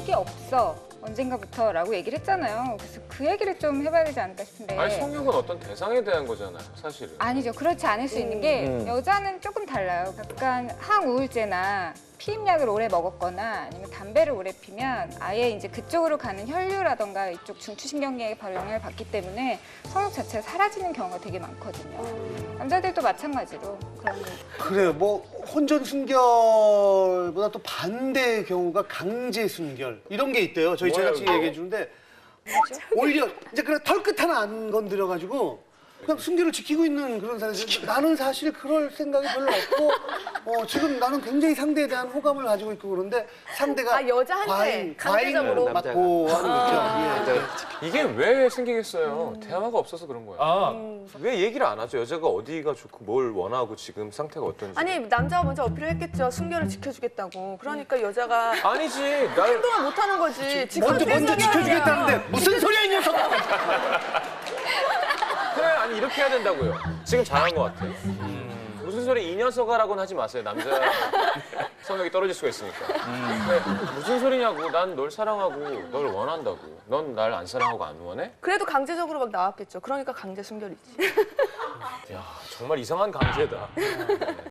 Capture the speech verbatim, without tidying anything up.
적이 없어. 언젠가부터라고 얘기를 했잖아요. 그래서 그 얘기를 좀 해봐야 되지 않을까 싶은데. 아니 성욕은 어떤 대상에 대한 거잖아요, 사실은. 아니죠. 그렇지 않을 수 있는 게 음. 여자는 조금 달라요. 약간 항우울제나 피임약을 오래 먹었거나 아니면 담배를 오래 피면 아예 이제 그쪽으로 가는 혈류라던가 이쪽 중추신경계에 바로 영향을 받기 때문에 성욕 자체가 사라지는 경우가 되게 많거든요. 남자들도 마찬가지로 그런 거. 그래요. 뭐 혼전 순결보다 또 반대의 경우가 강제 순결 이런 게 있대요. 저희 뭐예요, 제작진이 이거? 얘기해 주는데 오히려 이제 그냥 털끝 하나 안 건드려 가지고 그냥 순결을 지키고 있는 그런 사람들. 나는 사실 그럴 생각이 별로 없고 어, 지금 나는 굉장히 상대에 대한 호감을 가지고 있고 그런데 상대가 아, 여자한테 과잉, 강제적으로? 과잉을 맡고 하는 아. 거죠. 예. 이게 왜 생기겠어요? 대화가 없어서 그런 거야. 아, 왜 얘기를 안 하죠? 여자가 어디가 좋고 뭘 원하고 지금 상태가 어떤지. 아니 남자가 먼저 어필을 했겠죠. 순결을 지켜주겠다고. 그러니까 여자가 아니지. 날 행동을 못하는 거지. 먼저 먼저 지켜주겠다는데 무슨 소리야 이 녀석! 그래, 아니 이렇게 해야 된다고요. 지금 잘한 것 같아. 무슨 소리 이 녀석아라고는 하지 마세요. 남자 성욕이 떨어질 수가 있으니까. 근데 무슨 소리냐고. 난 널 사랑하고 널 원한다고. 넌 날 안 사랑하고 안 원해? 그래도 강제적으로 막 나왔겠죠. 그러니까 강제 순결이지. 야, 정말 이상한 강제다.